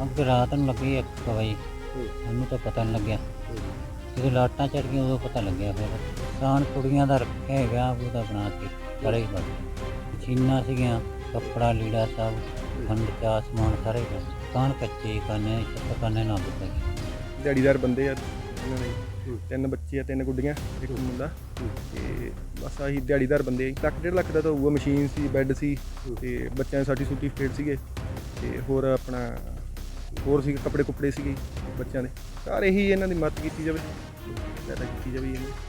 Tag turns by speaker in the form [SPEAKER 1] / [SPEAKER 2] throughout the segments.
[SPEAKER 1] ਅੱਗ ਰਾਤ ਨੂੰ ਲੱਗੀ 1 ਵਜੇ। ਮੈਨੂੰ ਤਾਂ ਪਤਾ ਨਹੀਂ ਲੱਗਿਆ, ਜਦੋਂ ਲਾਟਾਂ ਚੜ ਗਈਆਂ ਉਦੋਂ ਪਤਾ ਲੱਗਿਆ। ਫਿਰ ਕਿਸਾਨ ਕੁੜੀਆਂ ਦਾ ਰੱਖਿਆ ਹੈਗਾ, ਉਹਦਾ ਬਣਾ ਕੇ ਸਾਰੇ ਹੀ ਬਣ ਗਏ। ਮਸ਼ੀਨਾਂ ਸੀਗੀਆਂ, ਕੱਪੜਾ ਲੀੜਾ ਸਭ, ਖੰਡ ਚਾਹ ਸਮਾਨ ਸਾਰੇ ਹੀ ਬਣ ਗਏ। ਕਾਨ ਕੱਚੇ ਕਾਨੇ ਛੱਤ ਕਾਨੇ ਨਾਲ ਪੈ ਗਏ।
[SPEAKER 2] ਦਿਹਾੜੀਦਾਰ ਬੰਦੇ ਆ ਇਹਨਾਂ ਦੇ 3 ਬੱਚੇ ਆ, 3 ਗੁੱਡੀਆਂ, 1 ਮੁੰਡਾ ਤੇ ਬਸ ਆਹੀ ਦਿਹਾੜੀਦਾਰ ਬੰਦੇ ਆ। 1 ਲੱਖ 1.5 ਲੱਖ ਦਾ ਤਾਂ ਹੋਊਗਾ। ਮਸ਼ੀਨ ਸੀ, ਬੈੱਡ ਸੀ ਤੇ ਬੱਚਿਆਂ ਦੇ ਸਰਟੀਫਿਕੇਟ ਸੀਗੇ ਤੇ ਹੋਰ ਆਪਣਾ ਹੋਰ ਸੀ ਕੱਪੜੇ ਕੁੱਪੜੇ ਸੀਗੇ ਬੱਚਿਆਂ ਦੇ। ਸਾਰੇ ਇਹੀ ਇਹਨਾਂ ਦੀ ਮਦਦ ਕੀਤੀ ਜਾਵੇ, ਸਹਾਇਤਾ ਕੀਤੀ ਜਾਵੇ ਇਹਨਾਂ ਦੀ।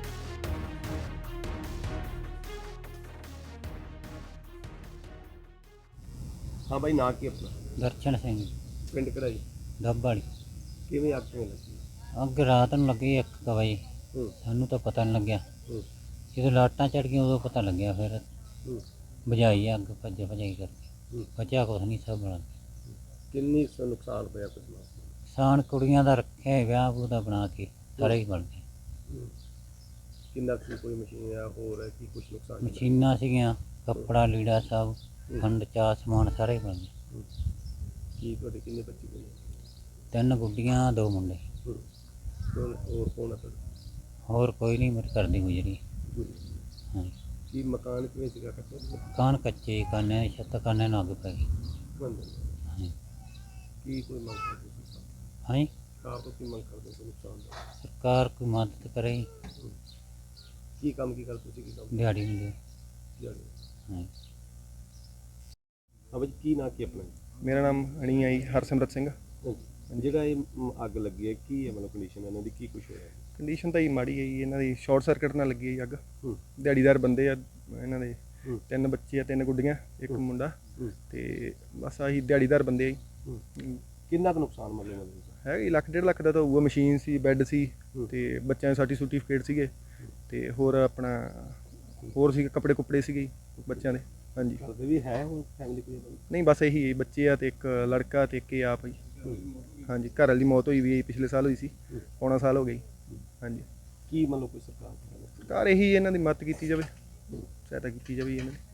[SPEAKER 3] हाँ भाई ना की अपना
[SPEAKER 1] ਦਰਸ਼ਨ ਸਿੰਘ
[SPEAKER 3] पिंड कढ़ाई
[SPEAKER 1] ਦੱਬ ਵਾਲੀ।
[SPEAKER 3] किवें अग किवें लगी?
[SPEAKER 1] ਅੱਗ ਰਾਤ ਨੂੰ ਲੱਗੀ 1 ਵਜੇ। ਸਾਨੂੰ ਤਾਂ ਪਤਾ ਨਹੀਂ ਲੱਗਿਆ, ਜਦੋਂ ਲਾਟਾਂ ਚੜ ਗਈਆਂ ਉਦੋਂ ਪਤਾ ਲੱਗਿਆ। ਫਿਰ ਬੁਝਾਈ ਅੱਗ ਭਜਾਈ ਕਰਕੇ, ਬਚਿਆ ਕੁਛ ਨਹੀਂ, ਸਭ ਬਣਾ ਗਿਆ।
[SPEAKER 3] किन्नी सा नुकसान होया कुछ ना?
[SPEAKER 1] ਕਿਸਾਨ ਕੁੜੀਆਂ ਦਾ ਰੱਖਿਆ ਹੈਗਾ, ਉਹਦਾ ਬਣਾ ਕੇ ਸਾਰੇ ਹੀ ਬਣ ਗਏ।
[SPEAKER 3] किन्ना की कोई मशीन है और है कि कुछ नुकसान?
[SPEAKER 1] ਮਸ਼ੀਨਾਂ ਸੀਗੀਆਂ, ਕੱਪੜਾ ਲੀੜਾ ਸਭ, ਖੰਡ ਚਾਹ ਸਮਾਨ ਸਾਰੇ ਹੀ ਬਣ ਗਏ।
[SPEAKER 3] की ਤੁਹਾਡੇ किन्ने बच्चे कोई
[SPEAKER 1] 3 ਗੁੱਡੀਆਂ 2 ਮੁੰਡੇ,
[SPEAKER 3] कौन और कौन है ਤੁਹਾਡਾ?
[SPEAKER 1] ਹੋਰ ਕੋਈ ਨਹੀਂ, ਮੇਰੇ ਘਰ ਦੀ ਗੁਜ਼ਰੀ। ਹਾਂ,
[SPEAKER 3] की मकान किवें सीगा कच्चा?
[SPEAKER 1] ਕਾਨ ਕੱਚੇ ਕਾਨੇ ਛੱਤ ਕਾਨੇ ਨਾਲ ਅੱਗ ਪੈ ਗਈ। ਹਾਂ
[SPEAKER 3] की कोई मंग करदे तुसीं?
[SPEAKER 1] ਹਾਂ,
[SPEAKER 3] कार तो की मंग करदे कोई नुकसान दा?
[SPEAKER 1] ਸਰਕਾਰ ਕੋਈ ਮਦਦ ਕਰੇ,
[SPEAKER 3] की काम की करदे तुसीं? की काम
[SPEAKER 1] ਦਿਹਾੜੀ ਨਹੀਂ ਦੇ।
[SPEAKER 3] दिहाड़ी?
[SPEAKER 1] ਹਾਂ
[SPEAKER 3] हाँ भाई की ना की अपना?
[SPEAKER 2] ਮੇਰਾ ਨਾਮ ਹਣੀ ਆ ਜੀ, ਹਰਸਿਮਰਤ ਸਿੰਘ।
[SPEAKER 3] ਜਿਹੜਾ ਇਹ ਅੱਗ ਲੱਗੀ ਹੈ ਕੀ ਹੈ, ਮਤਲਬ ਕੰਡੀਸ਼ਨ ਇਹਨਾਂ ਦੀ ਕੀ ਕੁਝ ਹੋਇਆ?
[SPEAKER 2] ਕੰਡੀਸ਼ਨ ਤਾਂ ਜੀ ਮਾੜੀ ਹੈ ਜੀ, ਇਹਨਾਂ ਦੀ ਸ਼ਾਰਟ ਸਰਕਟ ਨਾਲ ਲੱਗੀ ਹੈ ਜੀ ਅੱਗ।
[SPEAKER 3] ਹੂੰ।
[SPEAKER 2] ਦਿਹਾੜੀਦਾਰ ਬੰਦੇ ਆ ਇਹਨਾਂ ਦੇ
[SPEAKER 3] ਹੂੰ।
[SPEAKER 2] 3 ਬੱਚੇ ਆ, 3 ਗੁੱਡੀਆਂ, 1
[SPEAKER 3] ਹੂੰ।
[SPEAKER 2] ਮੁੰਡਾ
[SPEAKER 3] ਹੂੰ।
[SPEAKER 2] ਤੇ ਬਸ ਆਹੀ ਦਿਹਾੜੀਦਾਰ ਬੰਦੇ ਆ ਜੀ।
[SPEAKER 3] ਕਿੰਨਾ ਕੁ ਨੁਕਸਾਨ ਮਤਲਬ
[SPEAKER 2] ਹੈਗਾ ਜੀ 1 ਲੱਖ 1.5 ਲੱਖ ਦਾ ਤਾਂ ਹੋਊਗਾ। ਮਸ਼ੀਨ ਸੀ, ਬੈੱਡ ਸੀ
[SPEAKER 3] ਹੂੰ।
[SPEAKER 2] ਤੇ ਬੱਚਿਆਂ ਦੇ ਸਰਟੀਫਿਕੇਟ ਸੀਗੇ ਤੇ ਹੋਰ ਆਪਣਾ ਹੋਰ ਸੀ ਕੱਪੜੇ ਕੁੱਪੜੇ ਸੀਗੇ ਬੱਚਿਆਂ ਦੇ। ਹਾਂਜੀ।
[SPEAKER 3] ਕਰਦੇ ਵੀ ਹੈ ਹੁਣ ਫੈਮਿਲੀ ਕੋਈ?
[SPEAKER 2] ਨਹੀਂ ਬਸ ਇਹੀ ਬੱਚੇ ਆ ਤੇ 1 ਲੜਕਾ ਤੇ 1 ਆਪ ਜੀ। ਹਾਂਜੀ, ਘਰ ਵਾਲੀ ਦੀ ਮੌਤ ਹੋਈ ਵੀ ਹੈ, ਪਿਛਲੇ ਸਾਲ ਹੋਈ ਸੀ, ਪੌਣਾ ਸਾਲ ਹੋ ਗਿਆ ਜੀ। ਹਾਂਜੀ।
[SPEAKER 3] ਕੀ ਮਤਲਬ ਕੋਈ ਸਰਕਾਰ
[SPEAKER 2] ਸਰਕਾਰ ਇਹੀ ਇਹਨਾਂ ਦੀ ਮਦਦ ਕੀਤੀ ਜਾਵੇ, ਸਹਾਇਤਾ ਕੀਤੀ ਜਾਵੇ ਇਹਨਾਂ ਦੀ।